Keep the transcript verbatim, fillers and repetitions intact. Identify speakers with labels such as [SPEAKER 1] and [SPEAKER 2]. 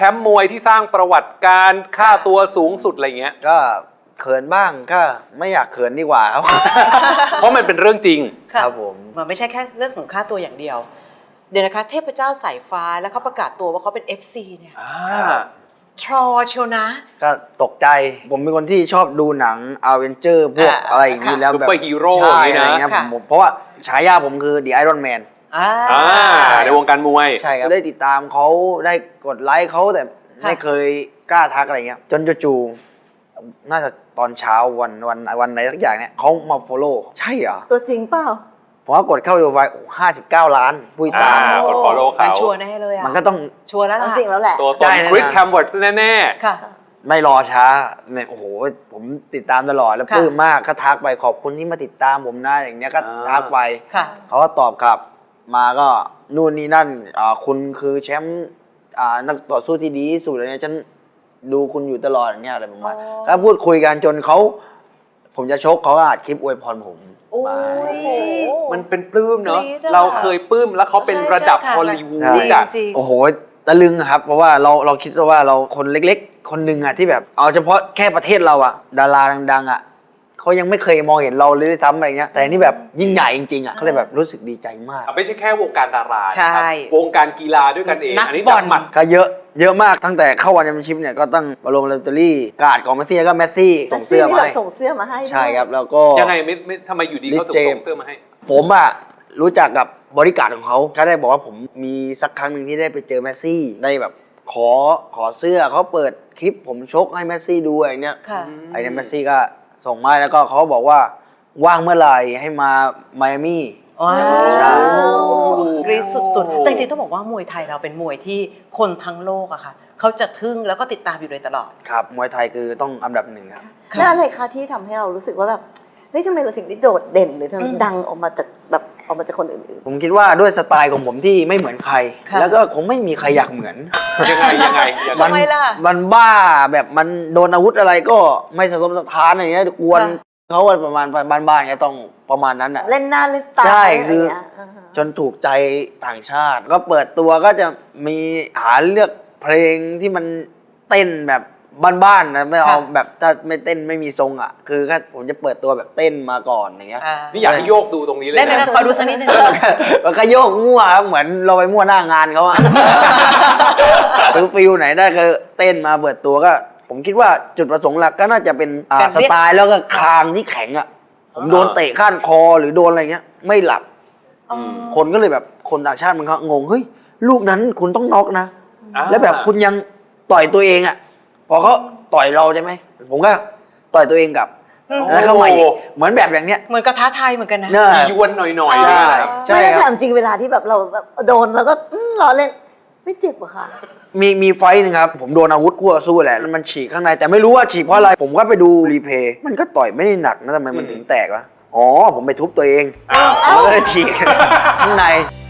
[SPEAKER 1] มป์มวยที่สร้างประวัติการค่าตัวสูงสุดอะไรเงี้ย
[SPEAKER 2] ก็เขินบ้างก็ไม่อยากเขินดีกว่าครับ
[SPEAKER 1] เพราะมันเป็นเรื่องจริง
[SPEAKER 2] ครับผม
[SPEAKER 3] มันไม่ใช่แค่เรื่องของค่าตัวอย่างเดียวเดี๋ยวนะคะเทพเจ้าสายฟ้าแล้วเขาประกาศตัวว่าเขาเป็น เอฟ ซี เนี่ยทรอเชียวนะ
[SPEAKER 2] ก็ตกใจผมเป็นคนที่ชอบดูหนังอเวนเจอร์พวกอะไรอย่างนี้แล้วแบบ
[SPEAKER 1] ซุปเปอร์ฮีโร่
[SPEAKER 2] อะไรเงี้ยผมเพราะว่าฉายาผมคือ The Iron Man
[SPEAKER 3] อ่า
[SPEAKER 1] ในวงการมวย
[SPEAKER 2] ใช่ครับได้ติดตามเขาได้กดไลค์เขาแต่ไม่เคยกล้าทักอะไรเงี้ยจนจู่ๆน่าจะตอนเช้าวันวันวันไหนสักอย่างเนี่ยเขามาฟอลโล่ใช่เหรอ
[SPEAKER 4] ตัวจริงเปล่า
[SPEAKER 2] ผมก็กดเข้าดูไปห้าสิบเก้าล้านผู้ติดตาม
[SPEAKER 1] กดฟอลโล่เขา
[SPEAKER 3] ชัวร์แน่เลยอ่ะ
[SPEAKER 2] มันก็ต้อง
[SPEAKER 3] ชัวร์แล้วล่ะ
[SPEAKER 4] จริงแล้วแหละ
[SPEAKER 1] ตัวตนคริสแฮมเวิร์ดแน่
[SPEAKER 3] ๆค่ะ
[SPEAKER 2] ไม่รอช้าเนี่ยโอ้โหผมติดตามตลอดแล้วปลื้มมากก็ทักไปขอบคุณที่มาติดตามผมนะอย่างเงี้ยก็ทักไปเขาก็ตอบกลับมาก็นู่นนี่นั่นคุณคือแชมป์นักต่อสู้ที่ดีที่สุดเลยเนี่ยฉันดูคุณอยู่ตลอดอย่างเงี้ยอะไรประมาณก็พูดคุยกันจนเขาผมจะชกเขาก็อัดคลิปอวยพรผม
[SPEAKER 1] มันเป็นปลื้มเนาะเราเคยปลื้มแล้วเขาเป็นระดับฮอลลีวูดอ่ะ
[SPEAKER 2] โอ้โหตะลึงครับเพราะว่าเราเราคิดว่าเราคนเล็กๆคนหนึ่งอะที่แบบเอาเฉพาะแค่ประเทศเราอะดาราดังๆอะเขายังไม่เคยมองเห็นเราเลยซ้ำอะไรเงี้ยแต่นี่แบบยิ่งใหญ่จริงๆอะเขาเลยแบบรู้สึกดีใจมาก
[SPEAKER 1] ไม่ใช่แค่วงการดารา
[SPEAKER 3] ใช่
[SPEAKER 1] วงการกีฬาด้วยกันเอง
[SPEAKER 3] อันนี้จับหมัด
[SPEAKER 2] ก็เยอะเยอะมากตั้งแต่เข้าวันแชมเปี้ยนชิพเนี่ยก็ต้องบอลลงลอตเตอรี่การ์ดของเมสซี่ก็เมสซี่ส่งเสื้อมาให้
[SPEAKER 4] ส่งเสื้อมาให้
[SPEAKER 2] ใช่ครับแล้วก็
[SPEAKER 1] ยังไงไม่ไม่ทำไมอยู่ดีเขาส่งเสื้อมาให้
[SPEAKER 2] ผมอะรู้จักกับบริการของเขาเขาได้บอกว่าผมมีสักครั้งหนึ่งที่ได้ไปเจอเมสซี่ได้แบบขอขอเสื้อเขาเปิดคลิปผมชกให้เมสซี่ดูอะไรเนี้ยไอ้เนี่ยเมสซี่ก็ส่งมาแล้วก็เขาบอกว่าว่างเมื่อไหร่ให้มาไมอามี่
[SPEAKER 3] ว้าวกรี๊ดสุดๆแต่จริงๆต้องบอกว่ามวยไทยเราเป็นมวยที่คนทั้งโลกอะค่ะเขาจะทึ่งแล้วก็ติดตามอยู่โดยตลอด
[SPEAKER 2] ครับมวยไทยคือต้องอันดับหนึ่งครับ
[SPEAKER 4] แล้วอะไรคะที่ทำให้เรารู้สึกว่าแบบเฮ้ยทำไมเราถึงได้โดดเด่นหรือทำดังออกมาจากแบบออกมาจากคนอื่น
[SPEAKER 2] ๆผมคิดว่าด้วยสไตล์ของผมที่ไม่เหมือนใครแล้วก็คงไม่มีใครอยากเหมือน
[SPEAKER 1] ยังไงยังไง
[SPEAKER 3] ทำไมล่ะ
[SPEAKER 2] มันบ้าแบบมันโดนอาวุธอะไรก็ไม่สะทกสะท้านอะไรเงี้ยกวนเขาประมาณบ้านๆไงต้องประมาณนั้นอ่ะ
[SPEAKER 4] เล่นหน้าเล่นตา
[SPEAKER 2] ใช่คือจนถูกใจต่างชาติก็เปิดตัวก็จะมีหาเลือกเพลงที่มันเต้นแบบบ้านๆนะไม่เอาแบบถ้าไม่เต้นไม่มีทรงอ่ะคือแค่ผมจะเปิดตัวแบบเต้นมาก่อนอย่างเงี้ย
[SPEAKER 1] นี่อยากให้โยกดูตรงนี้เลย
[SPEAKER 3] ได้ไหมขอดูสักนิดนึง
[SPEAKER 2] มันก็โยกมั่วครับเหมือนเราไปมั่วหน้างานเขาอะคือฟิลไหนได้ก็เต้นมาเปิดตัวก็ผมคิดว่าจุดประสงค์หลักก็น่าจะเป็นสไตล์แล้วก็คางที่แข็งอ่ะผมโดนเตะข้านคอหรือโดนอะไรเงี้ยไม่หลับคนก็เลยแบบคนต่างชาติมันก็งงเฮ้ยลูกนั้นคุณต้องน็อกนะแล้วแบบคุณยังต่อยตัวเองอ่ะพอเขาต่อยเราใช่ไหมผมก็ต่อยตัวเองกลับแล้วเข้ามาอีกเหมือนแบบอย่างเนี้ย
[SPEAKER 3] เหมือนกระท้าไทยเหมือนกันนะ
[SPEAKER 1] ยวนหน่อย
[SPEAKER 4] ๆไม่ได้ถามจริงเวลาที่แบบเราแบบโดนแล้วก็ล้อเล่นไม่เจ็บเหรอคะ
[SPEAKER 2] มีมีไฟนึงครับผมโดนอาวุธคู่ต่อสู้แหละมันฉีกข้างในแต่ไม่รู้ว่าฉีกเพราะอะไรผมก็ไปดูรีเพย์มันก็ต่อยไม่ได้หนักนะทำไมมันถึงแตกวะอ๋อผมไปทุบตัวเองแล้วก็เลยฉีกข้างใน